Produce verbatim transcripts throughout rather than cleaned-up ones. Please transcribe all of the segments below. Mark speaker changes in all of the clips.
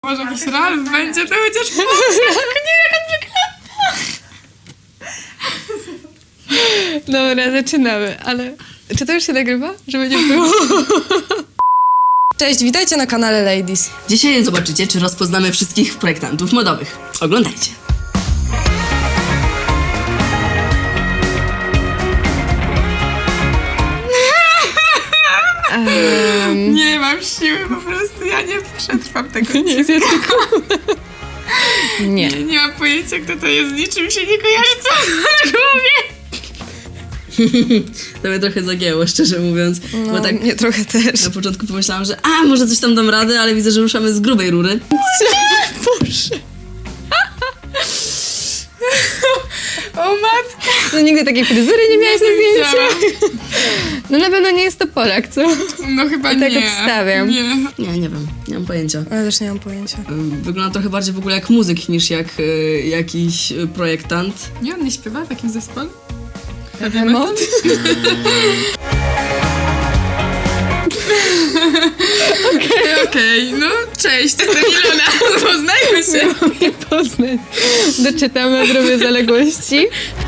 Speaker 1: Może jakiś Ralf będzie, to chociaż nie jak on wygląda.
Speaker 2: Dobra, zaczynamy, ale czy to już się nagrywa? Żeby nie było.
Speaker 3: Cześć, witajcie na kanale Ladies.
Speaker 4: Dzisiaj zobaczycie, czy rozpoznamy wszystkich projektantów modowych. Oglądajcie.
Speaker 2: Um,
Speaker 1: Nie mam siły, po prostu ja nie przetrwam tego.
Speaker 2: nie jest tylko... Nie.
Speaker 1: Nie, nie mam pojęcia, kto to jest, niczym się nie kojarzy, co na głowie.
Speaker 4: To mnie trochę zagięło, szczerze mówiąc.
Speaker 3: No,
Speaker 4: bo tak
Speaker 3: mnie trochę też.
Speaker 4: na początku pomyślałam, że a, może coś tam dam radę, ale widzę, że ruszamy z grubej rury.
Speaker 2: Boże.
Speaker 1: O matka.
Speaker 2: No nigdy takiej fryzury nie miałaś na
Speaker 1: Nie
Speaker 2: zdjęciu. No na pewno nie jest to Polak, co?
Speaker 1: No chyba
Speaker 2: I tak
Speaker 1: nie.
Speaker 2: obstawiam.
Speaker 1: Nie.
Speaker 4: Nie, nie wiem, nie mam pojęcia.
Speaker 3: Ale też nie mam pojęcia.
Speaker 4: Ym, Wygląda trochę bardziej w ogóle jak muzyk niż jak y, jakiś y, projektant.
Speaker 1: Nie, on nie śpiewa w jakimś zespole?
Speaker 2: Remont?
Speaker 1: Okej, okej, no cześć, to jestem Ilona, poznajmy się.
Speaker 2: Nie poznać. Doczytam, odrobię zaległości.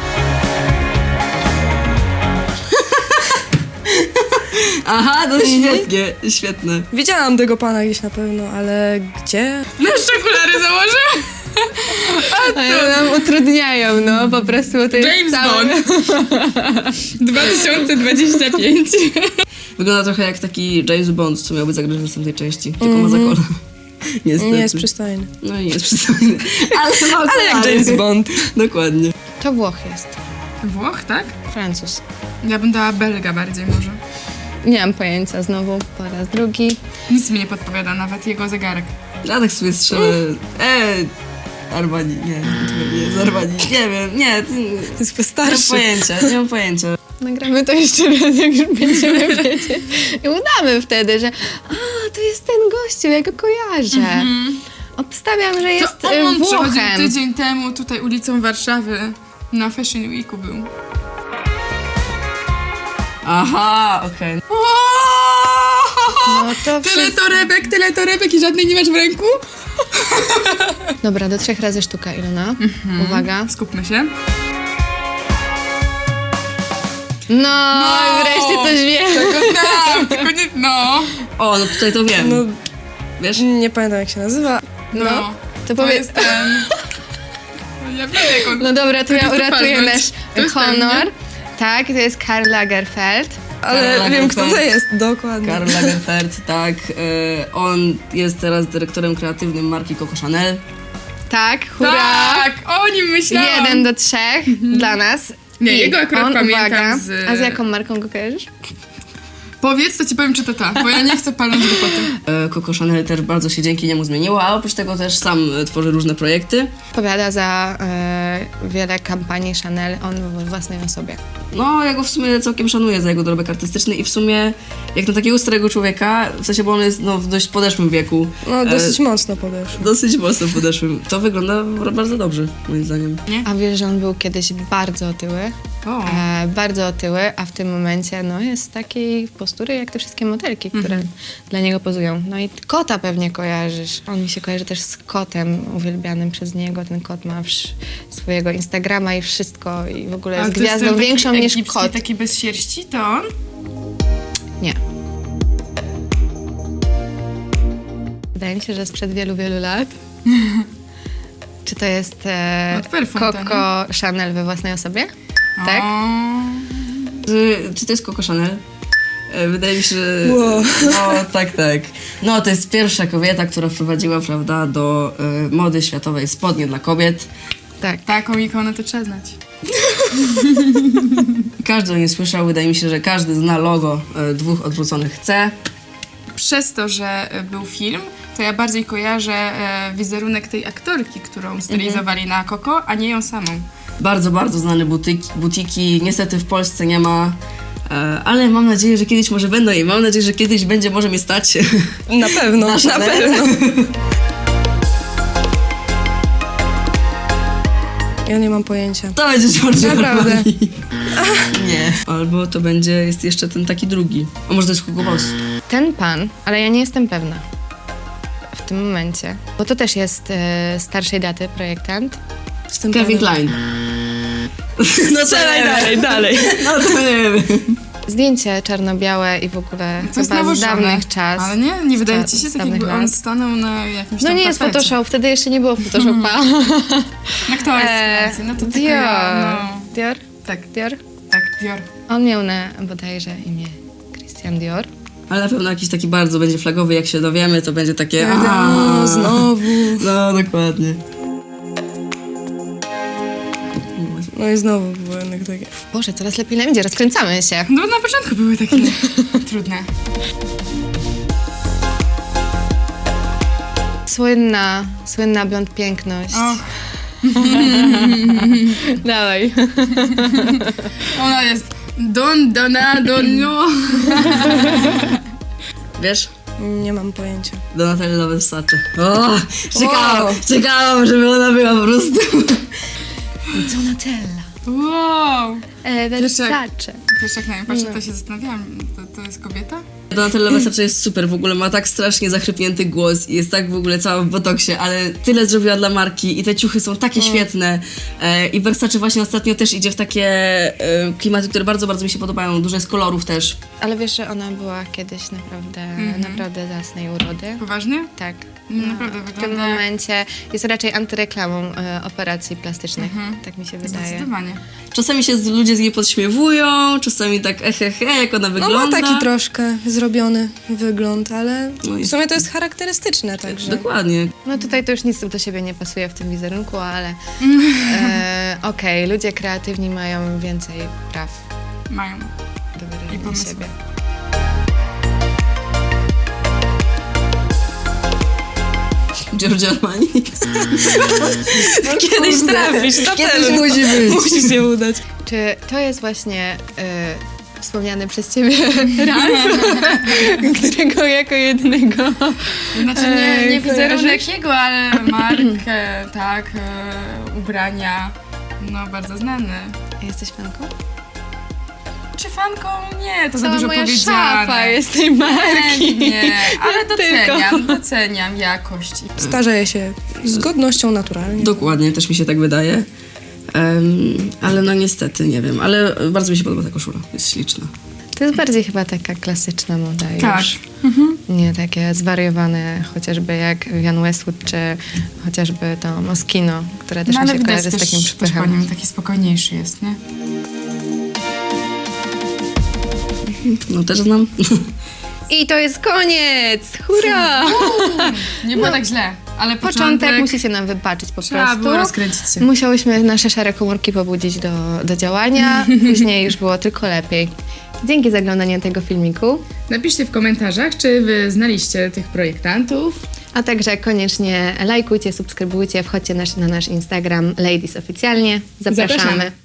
Speaker 4: Aha, no świetnie, świetne.
Speaker 3: Widziałam tego pana gdzieś na pewno, ale gdzie?
Speaker 1: No jeszcze okulary założył?
Speaker 2: A ja nam utrudniają, no po prostu to jest
Speaker 1: James
Speaker 2: całe...
Speaker 1: Bond. dwa tysiące dwudziesty piąty.
Speaker 4: Wygląda trochę jak taki James Bond, co miałby zagrać w następnej części, tylko ma zakola. Niestety.
Speaker 3: Nie jest przystojny.
Speaker 4: No i nie jest przystojny. Ale ma
Speaker 3: Ale jak
Speaker 4: okulary.
Speaker 3: James Bond.
Speaker 4: Dokładnie.
Speaker 2: To Włoch jest.
Speaker 1: Włoch, tak?
Speaker 2: Francuz.
Speaker 1: Ja bym dała Belga bardziej może.
Speaker 2: Nie mam pojęcia znowu po raz drugi.
Speaker 1: Nic mi nie podpowiada, nawet jego zegarek.
Speaker 4: Ja tak sobie strzelę. Eee, Armani, nie, to nie jest Armani. Nie wiem, nie, to,
Speaker 3: To jest
Speaker 4: nie mam
Speaker 3: wystarczy.
Speaker 4: pojęcia, nie mam pojęcia.
Speaker 2: Nagramy to jeszcze raz, jak już będziemy wiedzieć. I udamy wtedy, że a, to jest ten gościu, ja go kojarzę. Obstawiam, że jest
Speaker 1: to
Speaker 2: y,
Speaker 1: on przychodził
Speaker 2: Włochem.
Speaker 1: tydzień temu tutaj ulicą Warszawy. Na Fashion Weeku był.
Speaker 4: Aha, okej.
Speaker 2: No to
Speaker 1: Tyle
Speaker 2: wszystko.
Speaker 1: torebek, tyle torebek i żadnej nie masz w ręku?
Speaker 2: Dobra, do trzech razy sztuka, Ilona. Uwaga.
Speaker 1: Skupmy się.
Speaker 2: No, i wreszcie coś wiem.
Speaker 1: Tego znam, tylko nie... No.
Speaker 4: O, no tutaj to wiem.
Speaker 3: No,
Speaker 4: Wiesz?
Speaker 3: nie pamiętam jak się nazywa.
Speaker 1: No.
Speaker 2: To
Speaker 1: To
Speaker 2: powiedz.
Speaker 1: jest ten... No ja wiem jak on...
Speaker 2: No dobra, to ja
Speaker 1: jest to
Speaker 2: uratuję
Speaker 1: palnąć.
Speaker 2: nasz
Speaker 1: To jest ten,
Speaker 2: honor.
Speaker 1: nie?
Speaker 2: Tak, to jest Karl Lagerfeld.
Speaker 3: Ale
Speaker 4: Karl
Speaker 3: wiem kto to
Speaker 4: Lagerfeld.
Speaker 3: jest, dokładnie.
Speaker 4: Karl Lagerfeld, tak. E, on jest teraz dyrektorem kreatywnym marki Coco Chanel.
Speaker 2: Tak, hurra.
Speaker 1: Tak, o nim myślałam.
Speaker 2: Jeden do trzech dla nas.
Speaker 1: Nie,
Speaker 2: I
Speaker 1: jego akurat
Speaker 2: on,
Speaker 1: pamiętam
Speaker 2: uwaga,
Speaker 1: z-
Speaker 2: A z jaką marką go kojarzysz?
Speaker 1: Powiedz, to ci powiem, czy to ta, bo ja nie chcę palnąć głupoty.
Speaker 4: E, Coco Chanel też bardzo się dzięki niemu zmieniła, a oprócz tego też sam e, tworzy różne projekty.
Speaker 2: Odpowiada za e, wiele kampanii Chanel, on we własnej osobie.
Speaker 4: No, ja go w sumie całkiem szanuję za jego dorobek artystyczny i w sumie jak na takiego starego człowieka, w sensie, bo on jest no, w dość podeszłym wieku.
Speaker 3: No, dosyć
Speaker 4: e,
Speaker 3: mocno podeszło.
Speaker 4: Dosyć mocno podeszłym. To wygląda bardzo dobrze, moim zdaniem.
Speaker 2: A wiesz, że on był kiedyś bardzo otyły?
Speaker 1: O.
Speaker 2: E, bardzo otyły, a w tym momencie no, jest takiej postury jak te wszystkie modelki, które dla niego pozują. No i kota pewnie kojarzysz. On mi się kojarzy też z kotem uwielbianym przez niego. Ten kot ma wsz- swojego Instagrama i wszystko i w ogóle
Speaker 1: Ale
Speaker 2: jest
Speaker 1: to jest
Speaker 2: gwiazdą
Speaker 1: ten taki
Speaker 2: większą niż
Speaker 1: egipski,
Speaker 2: kot.
Speaker 1: taki bez sierści, to on?
Speaker 2: Nie. Wydaje mi się, że sprzed wielu, wielu lat. Czy to jest e,
Speaker 1: Od perfum, to,
Speaker 2: Coco Chanel we własnej osobie? Tak?
Speaker 1: O.
Speaker 4: Czy, czy to jest Coco Chanel? E, Wydaje mi się, że...
Speaker 3: Wow.
Speaker 4: No, tak, tak. No, to jest pierwsza kobieta, która wprowadziła, prawda, do e, mody światowej spodnie dla kobiet.
Speaker 2: Tak.
Speaker 1: Taką ikonę to trzeba znać.
Speaker 4: Każdy o niej słyszał, wydaje mi się, że każdy zna logo e, dwóch odwróconych C.
Speaker 1: Przez to, że e, był film, to ja bardziej kojarzę e, wizerunek tej aktorki, którą stylizowali na Coco, a nie ją samą.
Speaker 4: Bardzo, bardzo znane butyki, butiki. Niestety w Polsce nie ma, e, ale mam nadzieję, że kiedyś może będą i mam nadzieję, że kiedyś będzie może mnie stać.
Speaker 3: Na pewno,
Speaker 4: Na
Speaker 3: na,
Speaker 4: Chanel.
Speaker 3: pewno. Ja nie mam pojęcia.
Speaker 4: To będzie Giorgio
Speaker 3: Naprawdę.
Speaker 4: Armani. Nie. Albo to będzie, jest jeszcze ten taki drugi. A może to jest Hugo Boss?
Speaker 2: Ten pan, ale ja nie jestem pewna. w tym momencie, bo to też jest e, starszej daty projektant.
Speaker 3: Z tym
Speaker 4: Kevin
Speaker 3: panem.
Speaker 4: Klein. No to nie wiem.
Speaker 2: dalej.
Speaker 4: No to nie wiem.
Speaker 2: Zdjęcie czarno-białe i w ogóle
Speaker 1: To jest
Speaker 2: chyba z
Speaker 1: nałożone.
Speaker 2: dawnych czas.
Speaker 1: Ale nie, nie wydaje
Speaker 2: sta-
Speaker 1: ci się
Speaker 2: z
Speaker 1: tak,
Speaker 2: dawnych
Speaker 1: jakby on
Speaker 2: lat.
Speaker 1: stanął na jakimś
Speaker 2: No
Speaker 1: tam
Speaker 2: nie jest
Speaker 1: tapecie.
Speaker 2: Photoshop, wtedy jeszcze nie było Photoshopa.
Speaker 1: No kto jest
Speaker 2: E,
Speaker 1: Francji? No to tylko
Speaker 2: Dior.
Speaker 1: ja, no.
Speaker 2: Dior?
Speaker 1: Tak,
Speaker 2: Dior?
Speaker 1: tak, Dior.
Speaker 2: On miał na bodajże imię Christian Dior.
Speaker 4: Ale na pewno jakiś taki bardzo będzie flagowy, jak się dowiemy, to będzie takie...
Speaker 3: No,
Speaker 4: aaa.
Speaker 3: znowu.
Speaker 4: No, dokładnie.
Speaker 3: No i znowu było jednak takie.
Speaker 2: Boże, coraz lepiej nam idzie, rozkręcamy się.
Speaker 1: No na początku były takie trudne.
Speaker 2: Słynna, słynna blond piękność.
Speaker 1: Och,
Speaker 2: Dawaj.
Speaker 1: ona jest Don, Dona, Donio.
Speaker 4: Wiesz?
Speaker 3: Nie mam pojęcia.
Speaker 4: Donatella Versace. O, czekałam,
Speaker 3: Wow.
Speaker 4: czekałam, żeby ona była po prostu.
Speaker 2: Donatella.
Speaker 1: Wow.
Speaker 2: E,
Speaker 1: Wiesz jak-
Speaker 2: Versace.
Speaker 1: Wiesz, jak na nią patrzę, to się zastanawiałam, to, to jest kobieta?
Speaker 4: Donatella Versace jest super, w ogóle ma tak strasznie zachrypnięty głos i jest tak w ogóle cała w botoksie, ale tyle zrobiła dla marki i te ciuchy są takie świetne. E, I Versace właśnie ostatnio też idzie w takie e, klimaty, które bardzo, bardzo mi się podobają. Dużo jest kolorów też.
Speaker 2: Ale wiesz, że ona była kiedyś naprawdę, naprawdę zacnej urody.
Speaker 1: Poważnie?
Speaker 2: Tak.
Speaker 1: No, naprawdę
Speaker 2: w tym
Speaker 1: wygląda jak-
Speaker 2: momencie jest raczej antyreklamą e, operacji plastycznych. Tak mi się wydaje.
Speaker 1: Zdecydowanie.
Speaker 4: Czasami się z, ludzie z niej podśmiewują, czasami tak ehehe, jak ona
Speaker 3: No
Speaker 4: wygląda.
Speaker 3: ma taki troszkę zrobiony wygląd, ale
Speaker 4: No i-
Speaker 3: w sumie to jest charakterystyczne także.
Speaker 4: Dokładnie.
Speaker 2: No tutaj to już nic do siebie nie pasuje w tym wizerunku, ale e, okej, ludzie kreatywni mają więcej praw
Speaker 1: Mają.
Speaker 2: do
Speaker 1: I
Speaker 2: wyrażenia
Speaker 1: pomysły.
Speaker 2: siebie.
Speaker 4: Giorgio Armani.
Speaker 3: Kiedyś trafisz, na
Speaker 4: Kiedyś
Speaker 3: pewno.
Speaker 4: musi być.
Speaker 3: Musi się udać.
Speaker 2: Czy to jest właśnie e, wspomniany przez ciebie Ralf, którego jako jedynego
Speaker 1: Znaczy nie,
Speaker 2: Ej,
Speaker 1: nie wizerunek
Speaker 2: kojarzysz?
Speaker 1: jego, ale markę, tak, e, ubrania, no bardzo znany.
Speaker 2: jesteś fanką?
Speaker 1: Czy fanką? Nie, to za
Speaker 2: Cała
Speaker 1: dużo
Speaker 2: moja
Speaker 1: powiedziane.
Speaker 2: szafa jest tej marki.
Speaker 1: Nie, ale
Speaker 2: Tylko.
Speaker 1: doceniam, doceniam jakość.
Speaker 3: Starzeje się z godnością naturalnie.
Speaker 4: Dokładnie, też mi się tak wydaje. Em, ale no niestety, nie wiem. Ale bardzo mi się podoba ta koszula. Jest śliczna.
Speaker 2: To jest bardziej chyba taka klasyczna moda
Speaker 1: Tak.
Speaker 2: już. Nie takie zwariowane, chociażby jak Jan Westwood, czy chociażby to Moschino, które też
Speaker 1: No
Speaker 2: mi
Speaker 1: ale
Speaker 2: się
Speaker 1: widać
Speaker 2: kojarzy z
Speaker 1: też,
Speaker 2: takim
Speaker 1: też po
Speaker 2: przypychem.
Speaker 1: nim taki spokojniejszy jest, nie?
Speaker 4: No też znam.
Speaker 2: I to jest koniec! Hurra!
Speaker 1: Nie było tak źle, ale
Speaker 2: Początek,
Speaker 1: początek,
Speaker 2: musicie nam wybaczyć po
Speaker 1: trzeba
Speaker 2: prostu.
Speaker 1: było rozkręcić się.
Speaker 2: Musiałyśmy nasze szare komórki pobudzić do, do działania, później już było tylko lepiej. Dzięki za oglądanie tego filmiku,
Speaker 1: Napiszcie w komentarzach, czy wy znaliście tych projektantów.
Speaker 2: a także koniecznie lajkujcie, subskrybujcie, wchodźcie nasz, na nasz Instagram Ladies Oficjalnie. Zapraszamy.
Speaker 1: Zapraszamy.